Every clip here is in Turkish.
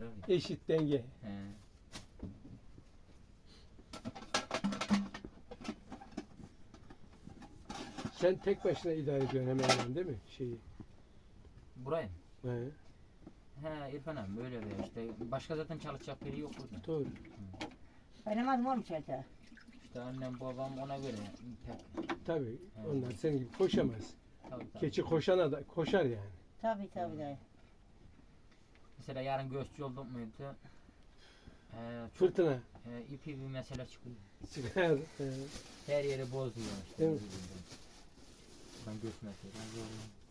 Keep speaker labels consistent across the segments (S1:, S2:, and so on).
S1: abi.
S2: Eşit denge.
S1: He.
S2: Sen tek başına idare ediyorsun hemen hemen değil mi şeyi?
S1: Burayı mı?
S2: He,
S1: He İrfan abi böyle bir işte. Başka zaten çalışacak biri yok burada.
S2: doğru.
S3: Benim adım olmuş zaten.
S1: İşte annem babam ona göre pek.
S2: Tabii
S1: He.
S2: onlar senin gibi koşamaz.
S1: Tabii, tabii.
S2: Keçi koşana da koşar yani.
S3: Tabii dayı.
S1: Mesela yarın göççü olduk muydu? Çok,
S2: Fırtına.
S1: ipi bir mesele çıkıyor.
S2: Çıkar. He.
S1: Her yeri bozuyor. İşte.
S2: Değil mi?
S1: Ben göç mesela.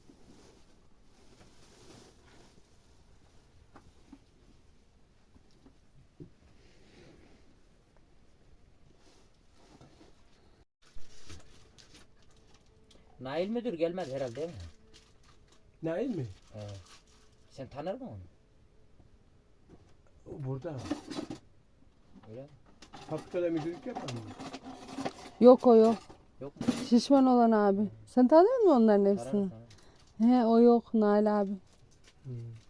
S1: Nail müdür gelmez herhalde değil mi?
S2: Nail mi?
S1: Sen tanır mısın onu?
S2: O burada.
S1: Öyle mi?
S2: Fabrikada müdürlük yapar mı?
S4: Yok o yok.
S1: Yok mu?
S4: Şişman olan abi. Sen tanıyor musun onların hepsini?
S1: Tanırım, tanırım.
S4: He o yok Nail abi.
S2: Hmm.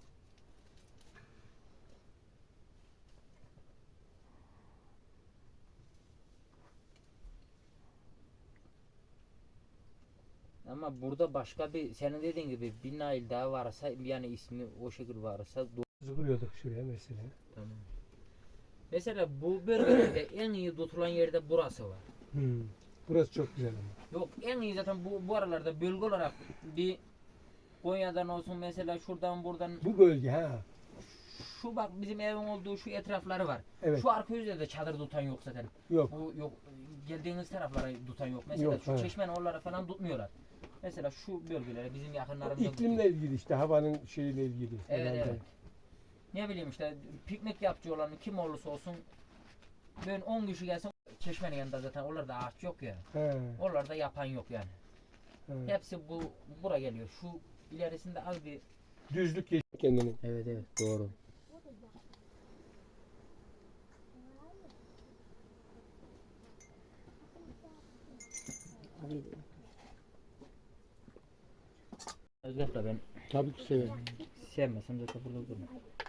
S1: Ama burada başka bir senin dediğin gibi bir Nail daha varsa yani ismi o şekil varsa
S2: Zıplıyorduk şuraya mesela.
S1: tamam. Mesela bu bölgede en iyi tutulan yerde burası var.
S2: Hmm. Burası çok güzel ama.
S1: Yok en iyi zaten bu aralarda bölge olarak bir Konya'dan olsun mesela şuradan buradan
S2: Bu bölge ha.
S1: şu bak bizim evin olduğu şu etrafları var.
S2: Evet.
S1: Şu arka yüzde de çadır tutan yok zaten.
S2: Yok.
S1: Bu yok geldiğiniz taraflara tutan yok. Mesela
S2: Yok,
S1: şu
S2: evet.
S1: çeşmen oralara falan tutmuyorlar. Mesela şu bölgelere bizim yakınlarımızda
S2: İklimle
S1: tutuyor.
S2: ilgili işte havanın şeyiyle ilgili.
S1: Evet
S2: herhalde.
S1: evet. Ne bileyim işte piknik yapıcı olan kim olursa olsun ben 10 kişi gelsin çeşmenin yanında zaten oralarda ağaç yok ya.
S2: He,
S1: Oralarda yapan yok yani.
S2: he.
S1: Hepsi bura geliyor. Şu ilerisinde az bir
S2: Düzlük geç kendini.
S1: evet evet doğru. Özgür'le ben
S2: Tabii ki severim.
S1: sevmesem zaten burada durmam.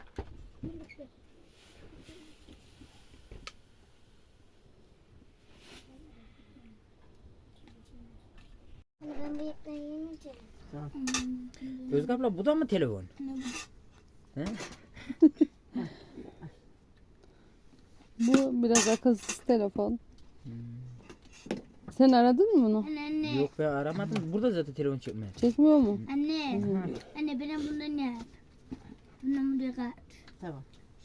S5: Ben bıyıkları yemeyeceğim.
S1: Özgür abla bu da mı telefon? He?
S4: Bu biraz akılsız telefon. Sen aradın mı bunu?
S5: Anne.
S1: Yok be aramadım. Burada zaten telefon çekmiyor.
S4: Çekmiyor mu?
S5: Anne. Anne benim bundan yap. Bundan buraya kaç.
S3: Tamam.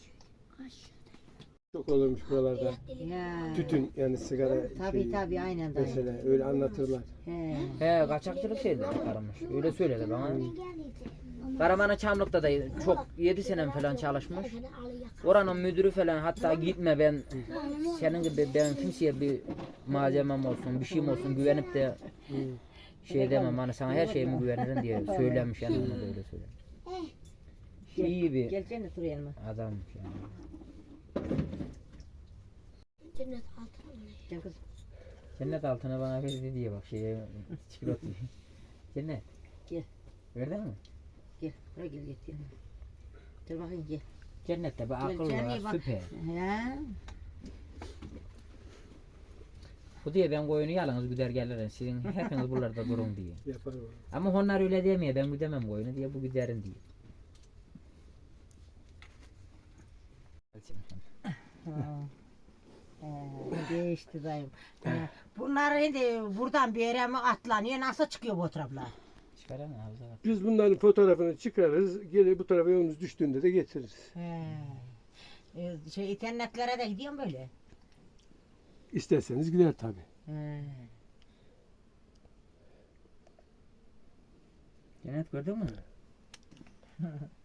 S2: Çok olurmuş buralarda.
S3: Ya.
S2: Tütün yani sigara
S3: Tabii
S2: şeyi.
S3: tabii aynen dayı.
S2: Mesela öyle anlatırlar.
S3: He.
S1: He kaçakçılık şeydi aramış. Öyle söyledi bana. Karaman'a Çamlık'ta da çok 7 sene falan çalışmış. Oranın müdürü falan hatta gitme ben senin gibi ben kimseye bir malzemem olsun bir şeyim olsun güvenip de şey demem hani sana her şeyimi güvenirim diye söylemiş yani ona da öyle söylemiş. İyi bir
S3: Gel cennet buraya yanıma.
S1: adammış yani.
S5: Cennet altına mı?
S3: Gel kızım.
S1: Cennet altına bana verdi diye bak şeye çikolata. Cennet.
S3: Gel.
S1: Verdin mi?
S3: Gel. Buraya gel git yanıma. Gel bakayım gel.
S1: Cennette bir akıl
S3: Cennet
S1: var
S3: bak.
S1: süper.
S3: He.
S1: Bu diye ben koyunu yalnız güder gelirim sizin hepiniz buralarda durun diye.
S2: Yapar o.
S1: Ama onlar öyle demiyor ben güdemem koyunu diye bu güderin diye.
S3: Ha. Değişti dayım. Bunlar şimdi buradan bir yere mi atlanıyor? Nasıl çıkıyor bu taraflar?
S1: Çıkaran ağzına bak.
S2: Biz bunların fotoğrafını çıkarırız. Geri bu tarafa yolumuz düştüğünde de getiririz.
S3: He. Şey internetlere de gidiyorum böyle.
S2: İsterseniz gider tabii.
S3: He.
S1: Cennet gördün mü?